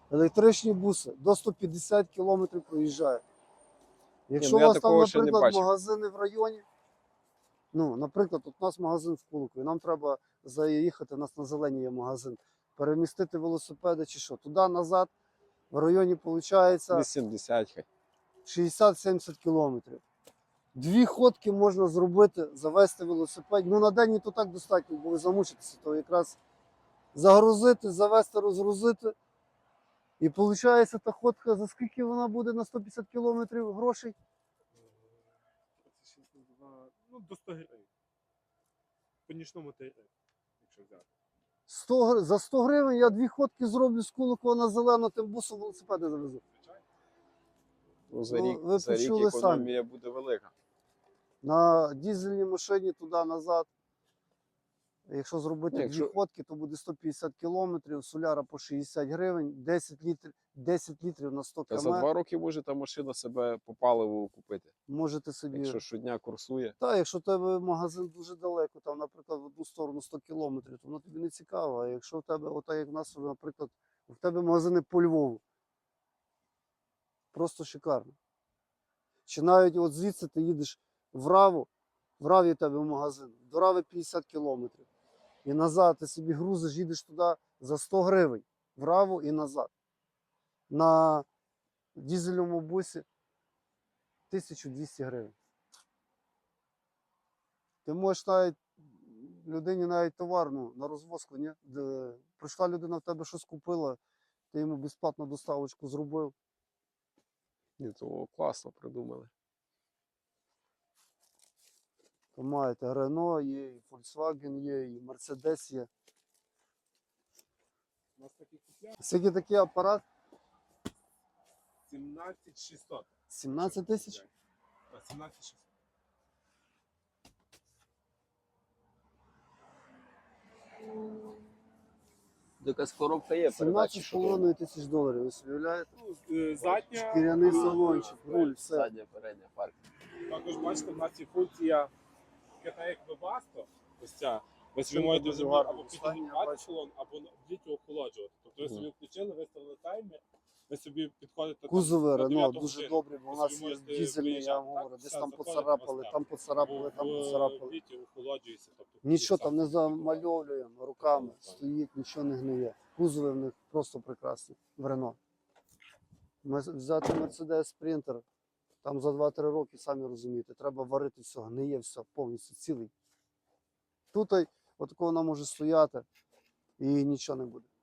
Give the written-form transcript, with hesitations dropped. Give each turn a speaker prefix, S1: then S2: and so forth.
S1: Електричні буси до 150 км проїжджають. Якщо
S2: ну
S1: у
S2: я
S1: вас там,
S2: такого ще не
S1: наприклад,
S2: бачив.
S1: магазини в районі, ну, наприклад, от у нас магазин в Куликові, нам треба заїхати, у нас на Зеленій є магазин, перемістити велосипеди чи що, туди-назад, в районі, виходить,
S2: 80 хай.
S1: 60-70 кілометрів. 2 ходки можна зробити, завести велосипед. Ну, на день і то так достатньо, бо ви замучитеся, то якраз загрузити, завести, розгрузити. І виходить, та ходка, за скільки вона буде на 150 кілометрів грошей?
S3: Ну, до 100 гривень. По нічному тарифі, якщо взяти.
S1: За 100 гривень я 2 ходки зроблю з Куликова на Зелену, тим бусом велосипеди завезу.
S2: Ну, за
S1: Ну,
S2: рік,
S1: ви
S2: за рік
S1: почули
S2: економія буде велика.
S1: На дизельній машині туди-назад. Якщо зробити
S2: Якщо-
S1: 2 ходки, то буде 150 кілометрів, соляра по 60 гривень, 10 літрів на 100
S2: Та за
S1: км.
S2: 2 роки може та машина себе по паливу купити.
S1: Можете собі.
S2: Якщо щодня курсує.
S1: Так, якщо в тебе магазин дуже далеко, там, наприклад, в одну сторону 100 кілометрів, то воно тобі не цікаво. А якщо в тебе, отак як в нас, наприклад, в тебе магазини по Львову, просто шикарно. Чи навіть от звідси ти їдеш в Раву, в Раві в тебе магазин, до Рави 50 кілометрів. І назад ти собі грузиш, їдеш туди за 100 гривень, в Раву і назад. На дизельному бусі 1200 гривень. Ти можеш навіть людині навіть товар, ну, на розвозку, ні? Прийшла людина в тебе щось купила, ти йому безплатно доставочку зробив.
S2: Ні, то класно придумали.
S1: То маєте Renault є, і Volkswagen є, і Mercedes є.
S3: У нас такий купляє
S1: Скільки такий апарат?
S3: 17600.
S1: 17 тисяч?
S3: Так, 17600.
S2: Якась коробка є передачі.
S1: 17,5 тисяч доларів, ви собі уявляєте?
S3: Ну, задня.
S1: Шкіряний салончик, руль, все.
S2: Задня, передня парк.
S3: Також бачите, в нас є функція така як Webasto. Ось ця. Ви собі можете
S1: дуже
S3: собі
S1: гарно.
S3: або
S1: Останнє
S3: підігрівати
S1: бачу.
S3: салон, або діти охолоджувати. Тобто ви собі включили, виставили таймер, ви собі підходите там
S1: Кузови
S3: на
S1: Renault
S3: 9
S1: дуже
S3: годину.
S1: добрі, бо у
S3: Ви
S1: нас
S3: собі
S1: є
S3: можете
S1: дизельні, я
S3: виїжджати,
S1: вам говорю,
S3: так,
S1: десь
S3: все,
S1: там
S3: заходите,
S1: поцарапали,
S3: вас
S1: там поцарапали, там поцарапали.
S3: Віті охолоджується. Тобто,
S1: Нічого там не
S3: сам
S1: замальовуємо, руками стоїть, нічого не гниє. Кузови в них просто прекрасні в Renault. Взяти Mercedes Sprinter, там за 2-3 роки, самі розумієте, треба варити все, гниє все, повністю цілий. Тут отако вона може стояти і нічого не буде.